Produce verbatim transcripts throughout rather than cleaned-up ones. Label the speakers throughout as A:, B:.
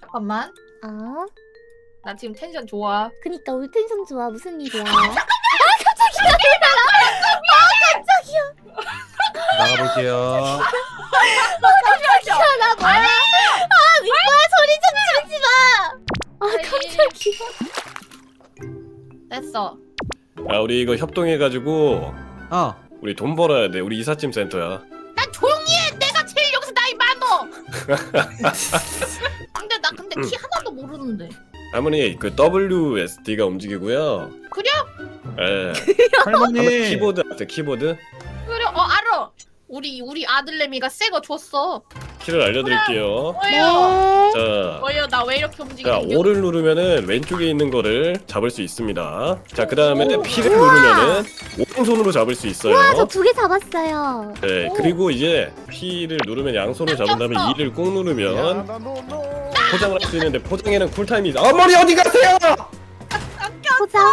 A: 잠깐만.
B: 어?
A: 나 지금 텐션 좋아.
B: 그니까 우리 텐션 좋아. 무슨 일이야?
C: 나가볼게요.
B: 나 뭐야? 아 윗거야 소리 좀 지르지 마. 아 깜짝이야.
A: 됐어.
D: 야 우리 이거 협동해가지고
C: 어.
D: 우리 돈 벌어야 돼. 우리 이삿짐 센터야.
A: 난 조용히 해. 내가 제일 여기서 나이 많어. 근데 나 근데 키 하나도 모르는데.
D: 할머니 그 더블유에스디가 움직이고요.
A: 그래?
D: 예.
C: 할머니.
D: 할머니 키보드 아세요? 키보드?
A: 그래. 어 알아. 우리 우리 아들내미가 새 거 줬어.
D: 키를 알려드릴게요.
A: 뭐예요?
B: 네.
D: 자,
A: 뭐예요? 나 왜 이렇게
D: 자
A: 움직이는
D: 오를 누르면은 왼쪽에 있는 거를 잡을 수 있습니다. 자 그 다음에 P를 누르면은 오른손으로 잡을 수 있어요.
B: 와 저 두 개 잡았어요.
D: 네, 그리고 이제 P를 누르면 양손으로 잡은 다음에
A: 깜짝이야.
D: E를 꾹 누르면 포장을 할 수 있는데 포장에는 쿨타임이 있어. 어머니 어디 가세요?
B: 포장.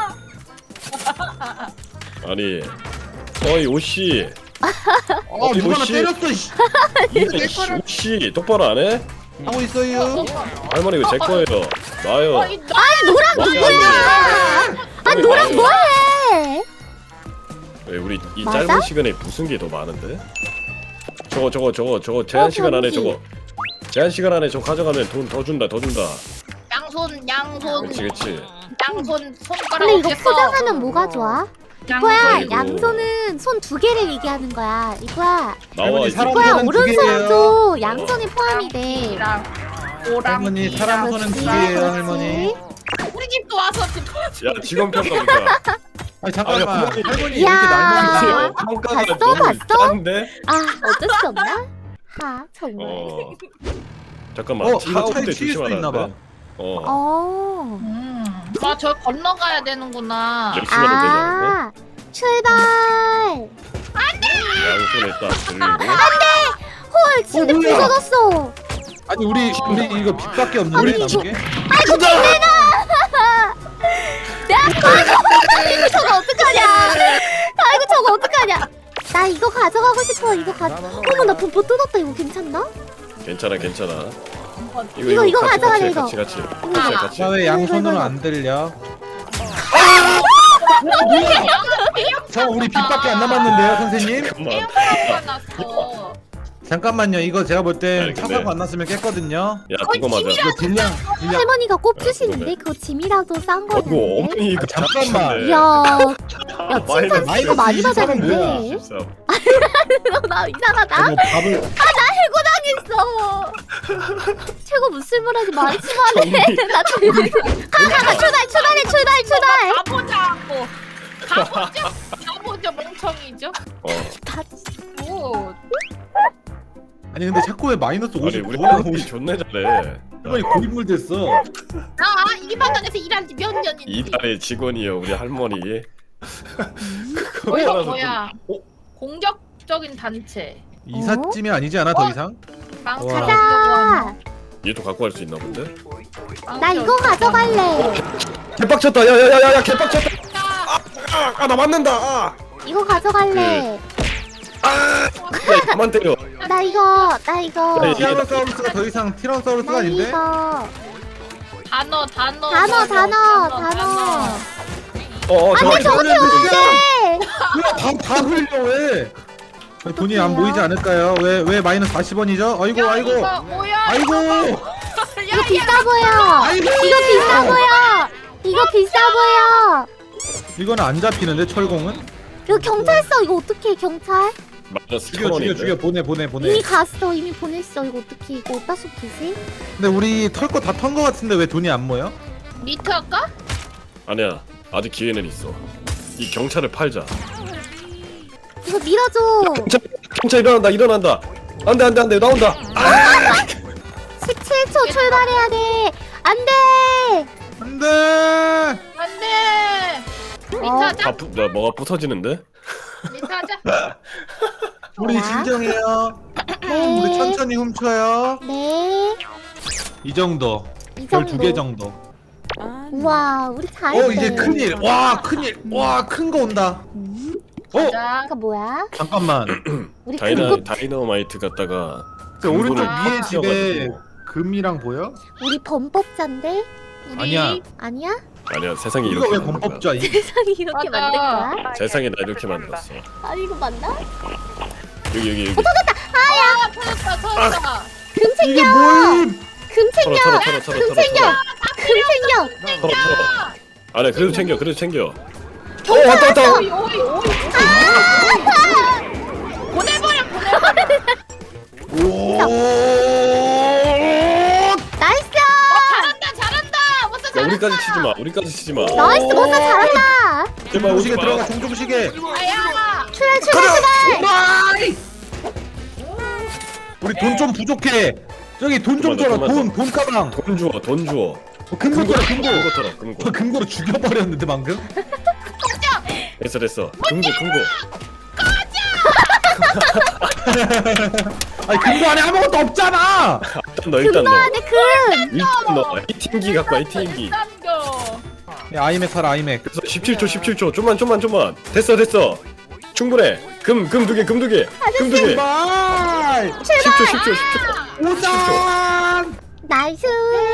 D: 아니, 어이 오씨.
C: 어 누가 나
D: 오씨.
C: 때렸어. 씨.
D: 이거 씨, 오씨 똑바로 안 해?
C: 하고 있어요.
D: 할머니 이거 제 거예요. 놔요.
A: 어, 이 나-
B: 노랑 누구야? 아 노랑 뭐해?
D: 왜 우리 이
B: 맞아?
D: 짧은 시간에 무슨 게 더 많은데? 저거 저거 저거 저거 제한
B: 어,
D: 시간 안에
B: 병기.
D: 저거 제한 시간 안에 저거 가져가면 돈 더 준다 더 준다.
A: 양손 양손
D: 그렇지 그렇지.
A: 양손 손가락
B: 근데 이거
A: 어딨어?
B: 포장하면 뭐가 좋아?
A: 양손.
B: 이거야
D: 아이고.
B: 양손은 손 두 개를 얘기하는 거야. 이거야
D: 나와
C: 할머니,
D: 이제.
C: 사람-
B: 이거야
C: 손은 두
B: 오른손도 양손에 포함이 돼.
A: 랑 오랑
C: 할머니 사람 손은 두 개예요 할머니.
A: 우리 집도 와서
D: 야 직원 평가보자.
C: 아니 잠깐만.
D: 아니,
C: 할머니
D: 할머니.
C: 왜 이렇게
B: 야.
C: 날먹이세요?
D: 평가가
B: 봤어?
D: 너무
B: 봤어?
D: 짠데?
B: 아 어쩔 수 없나? 하 정말.
D: 어. 잠깐만.
C: 어 이거 차에
D: 차가운데
C: 튀길 수도
D: 조심하라
C: 있나봐.
D: 돼. 어.
B: 어.
A: 음. 아저 건너가야 되는구나.
D: 열 시간을 되잖아.
B: 아 출발.
D: 양손에 딱 들리고.
B: 헐 침대
C: 어, 뭐야?
B: 부서졌어.
C: 아니 우리 우리 이거 빚밖에 없는데
B: 아니,
C: 남은
B: 이거-
C: 게?
B: 아이고 김내나. 야 아이고 저거 어떡하냐. 아이고 저거 어떡하냐. 나 이거 가져가고 싶어. 이거 가. 어머 나 돈 못 뜯었다. 이거 괜찮나?
D: 괜찮아 괜찮아.
B: 이거, 이거
D: 같이,
B: 가져가래,
D: 같이,
B: 이거.
D: 같이 같이 같이
A: 아.
D: 같이.
C: 나 왜 양손으로 안 들려? 저 우리 빚밖에 안 남았는데요 선생님?
D: 잠깐만.
A: 났어.
C: 잠깐만요 이거 제가 볼 땐
D: 아니, 근데-
C: 차사고 안 났으면 깼거든요.
D: 야 그거 맞아.
C: 이거 딜량 딜량.
B: 할머니가 꼽 주시는데 그거 짐이라도 싼
D: 어구
B: 거였는데.
D: 어머니 이거
C: 아, 잠깐만.
D: 잡혔네.
B: 이야, 야
D: 마이너스
B: 칭찬
C: 마이너스
B: 진짜 많이
C: 이십삼은
B: 받았는데.
D: 십삼.
B: 나 이상하다.
C: 이거 밥을
B: 당했어. 최고 무슬물하지 많지만 해.
D: 정리.
B: 나 가가 출발 출발해 출발 출발.
A: 가보자고. 가보자. 가보자 멍청이죠.
D: 어.
B: 다
A: 오.
C: 아니 근데 자꾸 왜 마이너스
D: 아니
C: 오십구
D: 우리 할머니 존나 잘해.
C: 할머니 고인물 됐어.
A: 나 이만원에서 일한 지 몇 년인지.
D: 이달의 직원이요 우리 할머니. 그거
A: 뭐야
D: 알아서
A: 뭐야.
D: 좀- 어?
A: 공격적인 단체.
C: 이삿짐이 아니지 않아 더 이상?
A: 망치
C: 와.
B: 가자.
D: 얘도 갖고 갈 수 있나 본데?
B: 나 이거 가져갈래.
D: 개빡쳤다. 야야야야야 개빡쳤다. 아나 맞는다. 아.
B: 이거 가져갈래.
D: 야 그만 때려.
B: 나 이거 나 이거
D: 야, 이-
C: 티라노사우루스가 더 이상 티라노사우루스가
B: 나
C: 아닌데?
B: 이거
A: 단어 단어
B: 단어 단어 단어.
D: 어
B: 아니
D: 저기
B: 저거 태운데.
C: 다다 흘려 왜? 아니, 돈이 안 보이지 않을까요? 왜 왜 마이너스 사십 원이죠? 아이고
A: 야,
C: 아이고
A: 이거 뭐야?
C: 아이고
B: 이거 비싸 보여.
C: 아이고
B: 이거 비싸 보여. 이거 비싸 보여.
C: 이거는 안 잡히는데 철공은?
B: 이거 경찰서 이거 어떻게 경찰?
D: 마이너스
C: 죽여
D: 천
C: 죽여
D: 원인데.
C: 죽여 보내 보내 보내.
B: 이미 갔어 이미 보냈어 이거 어떻게 이거 어디다 쏟지?
C: 근데 우리 털 거 다 턴 거 같은데 왜 돈이 안 모여?
A: 리트 할까?
D: 아니야 아직 기회는 있어. 이 경찰을 팔자.
B: 이거 밀어줘.
D: 경찰 경찰 일어난다 일어난다. 안돼 안돼 안돼 나온다.
B: 십칠 초 출발해야 돼. 안돼.
C: 안돼.
A: 안돼. 리트
B: 어.
A: 하자.
D: 다 부, 나 뭐가 부서지는데?
A: 리트 하자.
C: 우리
B: 좋아.
C: 진정해요.
B: 네.
C: 우리 천천히 훔쳐요.
B: 네.
C: 이 정도.
B: 이
C: 별
B: 정도.
C: 두 개 정도.
B: 우와 우리 잘했네.
C: 어 이제 큰일. 와 큰일. 와 큰 거 온다. 어
A: 자.
B: 이거 뭐야?
C: 잠깐만.
B: 우리
D: 다이나
B: 그거
D: 다이너마이트 갖다가
C: 그 오른쪽
A: 아.
C: 위에 집에
D: 씌워가지고.
C: 그 금이랑 보여?
B: 우리 범법자인데?
A: 우리
C: 아니야.
B: 아니야?
D: 아니야 세상이
C: 이거
D: 이렇게
C: 왜
D: 만든 거야.
C: 범법자이?
B: 세상이 이렇게
A: 맞아.
B: 만든 거야?
D: 세상이 나 이렇게 만들었어.
B: 아니 이거 맞나?
D: 여기 여기 여기.
A: 아 터졌다 터졌다.
B: 금
C: 이게
B: 챙겨!
C: 뭐임?
B: 금
D: 털어
B: 챙겨!
D: 털어 털어 털어
B: 금
D: 털어
B: 챙겨!
D: 털어
B: 금 챙겨!
D: 털어 털어. 아니 그래도 챙겨 그래도 챙겨. 어
B: 경찰
D: 왔다 왔다.
A: 오이 오이 오이. 보내버려 보내버려.
C: 오.
B: 나이스!
A: 잘한다 잘한다. 멋져
D: 야
A: 잘한다.
D: 우리까지 치지 마. 우리까지 치지 마.
B: 나이스 못사 잘한다!
D: 제발 오지
C: 종종시계
D: 마.
C: 들어가 종종시계.
A: 아야.
B: 출발 출발 출발!
C: 우리 돈 좀 부족해. 저기 돈 좀 줘라.
D: 그만, 그만.
C: 돈, 돈 가방.
D: 돈 주워 돈 주워.
C: 어, 금고 줘라, 금고.
D: 금고 털어 금고.
C: 저 금고로 죽여버렸는데 방금.
D: 됐어 됐어. 금고 금고.
C: 아니 금고 안에 아무것도 없잖아.
D: 일단 너
B: 금
D: 일단
B: 넣어야
D: 너.
B: 돼 금!
D: 일단 너. 히팅기 갖고 와 히팅기.
A: 남겨.
C: 야, 아이맥 사라 아이맥.
D: 그래서 십칠 초 십칠 초 좀만 좀만 좀만. 됐어 됐어. 충분해. 금 금 두 개 금 두 개. 금 두 개.
C: 제발.
D: 십 초 십 초 십 초.
C: 오장.
B: 나이스!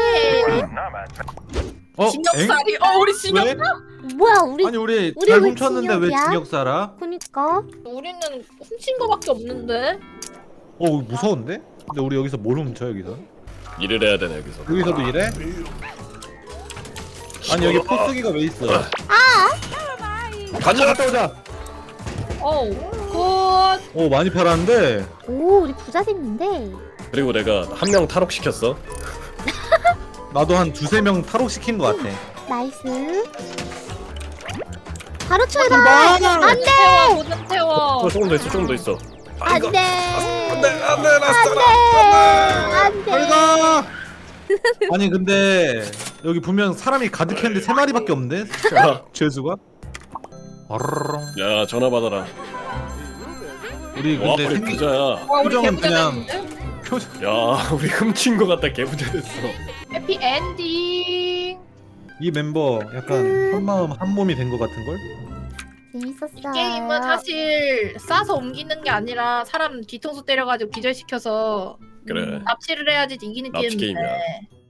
C: 어? 엥?
A: 진역살이. 어 우리 진역.
C: 왜?
B: 뭐야 우리
C: 아니 우리
B: 우리
C: 잘
B: 왜
C: 훔쳤는데 왜
B: 징역이야?
C: 징역 살아?
B: 그니까
A: 우리는 훔친 거밖에 없는데.
C: 어 무서운데? 근데 우리 여기서 뭘 훔쳐 여기서?
D: 일을 해야 되네 여기서.
C: 여기서도 이래? 아니 여기 포스기가 왜 있어?
D: 가자.
C: 갔다 오자.
A: 어우 굿.
C: 오 많이 팔았는데.
B: 오 우리 부자 됐는데
D: 그리고 내가 한 명 탈옥시켰어.
C: 나도 한 두세 명 탈옥시킨 것 같아.
B: 나이스 바로 출발!
C: 출발!
B: 안돼!
A: 태워 모든 태워.
D: 어, 조금 더 있어 조금 더 있어.
B: 안돼!
D: 안돼 안돼 나
B: 안돼! 안돼!
C: 빨가. 아니 근데 여기 보면 사람이 가득했는데 세 마리밖에 없네.
D: 야,
C: 죄수가. 어르렁.
D: 야 전화 받아라.
C: 우리
D: 와
C: 근데
D: 우리
C: 생기
D: 부자야.
A: 와 우리
C: 표정은
A: 개부자
C: 그냥-
A: 됐는데?
C: 표정.
D: 야 우리 훔친 거 같다 개부자 됐어.
A: 해피 엔딩.
C: 이 멤버 약간 한 마음 한 몸이 된 것 같은 걸?
B: 재밌었어요.
A: 게임은 사실 싸서 옮기는 게 아니라 사람 뒤통수 때려가지고 기절시켜서
D: 그래.
A: 납치를 해야지 이기는
D: 납치
A: 게임인데
D: 게임이야.